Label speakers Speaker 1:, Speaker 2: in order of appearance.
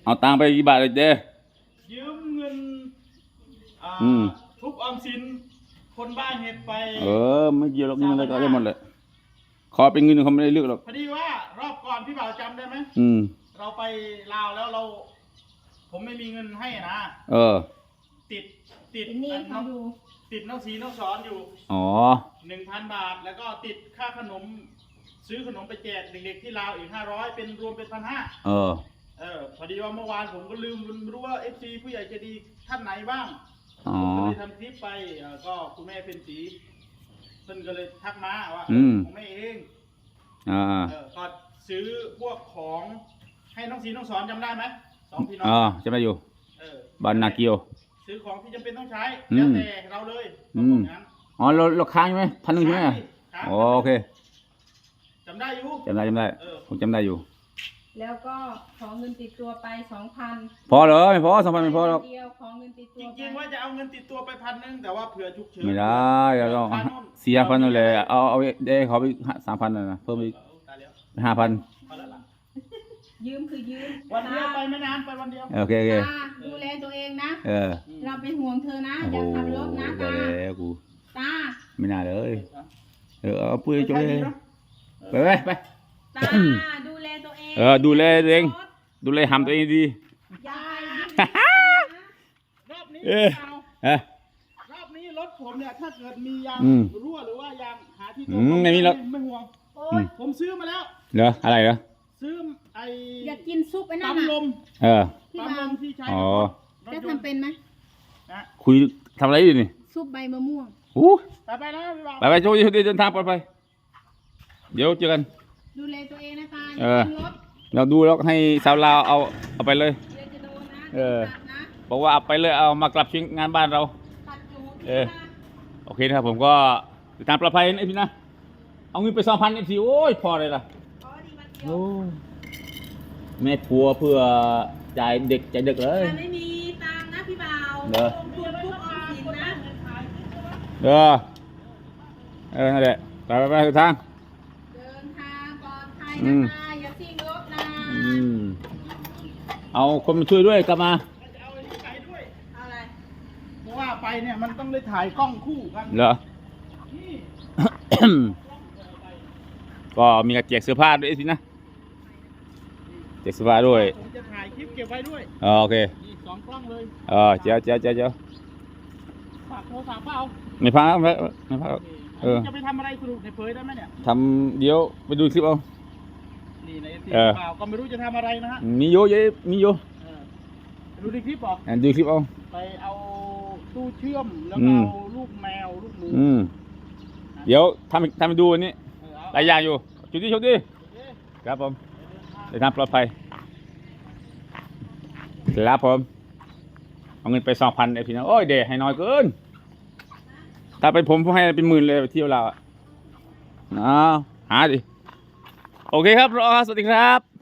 Speaker 1: เอาตังค์ไปกี่บาทเลยเด้
Speaker 2: ยืมเงินทุกออมสินคนบ้านเห็ดไป
Speaker 1: ไม่เกี่ยวหรอกนี่มันก็ได้หมดเลยขอเป็นเงินเขาไม่ได้เลือกหรอก
Speaker 2: พอดีว่ารอบก่อนพี่บ่าวจำได้ไหมเราไปลาวแล้วผมไม่มีเงินให้นะติด
Speaker 3: นี่เขาดู
Speaker 2: ติดนักสีนักสอนอยู่1,000 บาทแล้วก็ติดค่าขนมซื้อขนมไปแจกเด็กๆที่ลาวอีก500เป็นรวมเป็น1,500พอดีว่าเมื่อวานผมก็ลืมรู้ว่า FC ผู้ใหญ่ใจดีท่านไหนบ้างผมก็เลยทำคลิปไปก็คุณแม่เป็นสีเพิ่นก็เลยทักมาว่าของแม่เองก็ซื้อพวกของให้น้องสีน้องสอนจำได้ไหม2 พี่น้อง
Speaker 1: จำได้อยู่บ้านนาเกียว
Speaker 2: ซื้อของที่จำเป็นต้องใช้แล้วแต่เราเลย
Speaker 1: เราค้างใช่ไหม1,000ใช่ไหมโอเค
Speaker 2: จำได้อยู่
Speaker 1: จำได้ผมจำได้อยู่
Speaker 3: แล้วก็ขอเงินติดตัวไป 2,000
Speaker 1: พอเหรอไม่พอ 2,000ไม่พอหรอก
Speaker 3: เดียวขอเงินติดตัว
Speaker 2: จริงๆว่าจะเอาเงินติดตัวไป1,000แต่ว่าเผื่อฉุกเฉิน
Speaker 1: ไม่ได้เราต้อง4,000นั่นเลยเอาได้เขาไป3,000นะเพิ่มอีก5,000
Speaker 3: ยืมคือยืม
Speaker 2: วันเดียวไปไม่นานไปวันเดียว
Speaker 1: โอเค
Speaker 3: ดูแลตัวเองนะเราเป็นห่วงเธอนะอย่าขับรถนะตา
Speaker 1: ไม่น่าเลยเอาปุ้ยโจ้เลยไป
Speaker 3: ตาดูแลตัวเอง
Speaker 1: ดูแลตัวเองดูแลหำตัวเองดี
Speaker 2: รอบนี้รอบนี้รถผมเนี่ยถ้าเกิดมียางรั่วหรือว่ายางหาที่ตรง
Speaker 1: ไม่มีหรอก
Speaker 2: ไม่ห่วงผมซื้อมาแล้ว
Speaker 1: เหรออะไรเหรอ
Speaker 2: ซื้อ
Speaker 3: อยากกินซุปไอ้นั่น
Speaker 2: ปั๊มลม
Speaker 3: ปั๊มลม
Speaker 2: ที่ใช้
Speaker 3: จะทำเป็นไหม
Speaker 1: คุยทำอะไรอยู่นี่
Speaker 3: ซุปใบมะม่วง
Speaker 2: ไปแล้ว
Speaker 1: ไปโชว์เดินทางปลอดภัยเดี๋ยวเจอกัน
Speaker 3: ดูแลตัวเองนะคะ
Speaker 1: เราดูแล้วให้สาวลาวเอาไปเลยบอกว่าเอาไปเลยเอามากลับชิ้นงานบ้านเราโอเคนะครับผมก็เดินทางปลอดภัยนะพี่นะเอาเงินไป2,000เอฟซีโอ้ยพอเลยล่ะแม่ผัวเพื่อจ่ายเด็กเลย
Speaker 3: ไม่มีตังค์นะพี่บ่าวลงทุนทุกออมสินนะ
Speaker 1: นั่นแหละไปเดินทาง
Speaker 3: ปลอดภัยนะคะอย่าทิ้งรถนะ
Speaker 1: เอาคนมาช่วยด้วยกลับมา
Speaker 2: จะเอาไปด้วยอะไรเพราะว่าไปเนี่ยมันต้องได้ถ่ายกล้องคู่กัน
Speaker 1: เหรอก็มีกระเจียกเสื้อผ้าด้วยสินะเจียกเสื้อผ้าด้วย
Speaker 2: ผมจะถ่ายคลิปเก็บไว้ด้วย
Speaker 1: โอเค
Speaker 2: 2 กล้องเลย
Speaker 1: เจ้า
Speaker 2: ฝากโทรศัพท์เปล่า
Speaker 1: ไม่พัก
Speaker 2: จะไปทำอะไรสรุปในเผยได้ไหมเนี่ย
Speaker 1: ทำเดี๋ยวไปดูคลิปเอา
Speaker 2: นี่ในทีเปล่าก็ไม่รู้จะทำอะไรนะฮะ
Speaker 1: มีโย
Speaker 2: ดูในคลิปหรอ
Speaker 1: ดูคลิปเอา
Speaker 2: ไปเอาตู้เชื่อมแล้วก็เอาลูกแมวลูกหมู
Speaker 1: เดี๋ยวทำไปดูอันนี้หลายอย่างอยู่ชุดดีครับผมเดินทางปลอดภัยครับผมเอาเงินไป2,000ไอ้พี่น้องโอ้ยเดี๋ยวให้น้อยเกินถ้าเป็นผมให้เป็น10,000เลยไปเที่ยวเราหาดิโอเคครับรอสวัสดีครับ